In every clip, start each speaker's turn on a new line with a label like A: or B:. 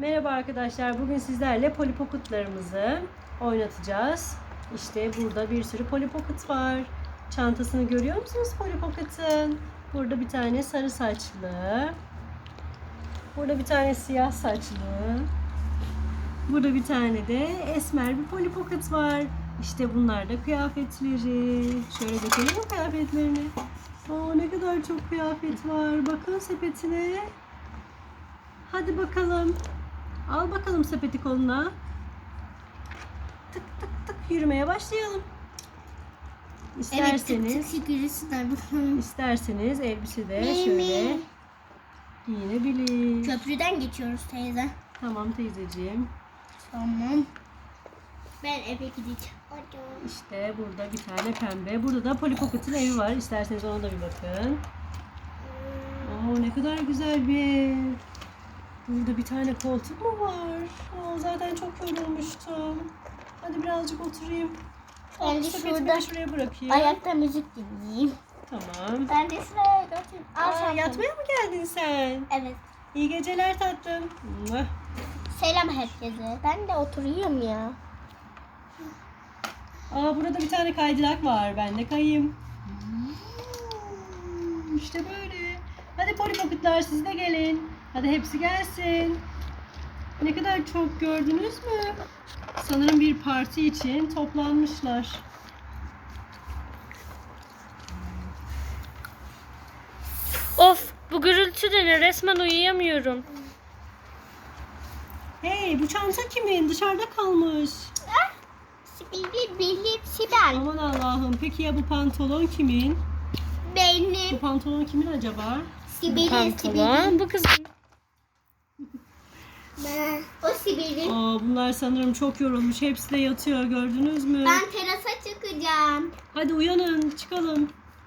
A: Merhaba arkadaşlar. Bugün sizlerle Polly Pocket'larımızı oynatacağız. İşte burada bir sürü Polly Pocket var. Çantasını görüyor musunuz Polly Pocket'ın? Burada bir tane sarı saçlı. Burada bir tane siyah saçlı. Burada bir tane de esmer bir Polly Pocket var. İşte bunlar da kıyafetleri. Şöyle dökelim mi kıyafetlerini? Oo, ne kadar çok kıyafet var. Bakın sepetine. Hadi bakalım. Al bakalım sepeti koluna. Tık tık tık yürümeye başlayalım. İsterseniz elbise de şöyle giyinebilir.
B: Köprüden geçiyoruz teyze.
A: Tamam teyzeciğim.
B: Tamam. Ben eve gideceğim.
A: İşte burada bir tane pembe. Burada da Polly Pocket'ın evi var. İsterseniz ona da bir bakın. Oo, ne kadar güzel bir ev. Burada bir tane koltuk mu var? Zaten çok yorulmuştum. Hadi birazcık oturayım.
B: Ben de
A: Sepetimi şuraya bırakayım.
B: Ayakta müzik dinleyeyim.
A: Tamam.
B: Ben de şuraya götüreyim.
A: Yatmaya mı geldin sen?
B: Evet.
A: İyi geceler tatlım. Muah.
B: Selam herkese. Ben de oturayım ya.
A: Burada bir tane kaydırak var. Ben de kayayım. İşte böyle. Hadi Polly Pocket'lar siz de gelin. Hadi hepsi gelsin. Ne kadar çok gördünüz mü? Sanırım bir parti için toplanmışlar.
C: Of, bu gürültü de ne? Resmen uyuyamıyorum.
A: Hey, bu çanta kimin? Dışarıda kalmış.
B: Sibel.
A: Aman Allah'ım. Peki ya bu pantolon kimin? Bu
B: Benim.
A: pantolon kimin acaba?
B: Sibel'in.
C: Pantolon bu kızın.
B: O Sibel'in.
A: Bunlar sanırım çok yorulmuş. Hepsi de yatıyor. Gördünüz mü?
B: Ben terasa çıkacağım.
A: Hadi uyanın. Çıkalım.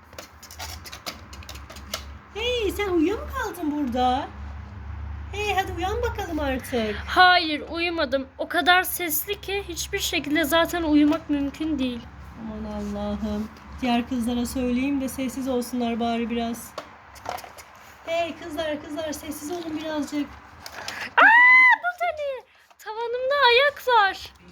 A: Hey, sen uyuyor mu kaldın burada? Hey, hadi uyan bakalım artık.
C: Hayır, uyumadım. O kadar sesli ki hiçbir şekilde zaten uyumak mümkün değil.
A: Aman Allah'ım. Diğer kızlara söyleyeyim de sessiz olsunlar bari biraz. Hey kızlar sessiz olun birazcık.
C: Bu da ne? Tavanımda ayak var.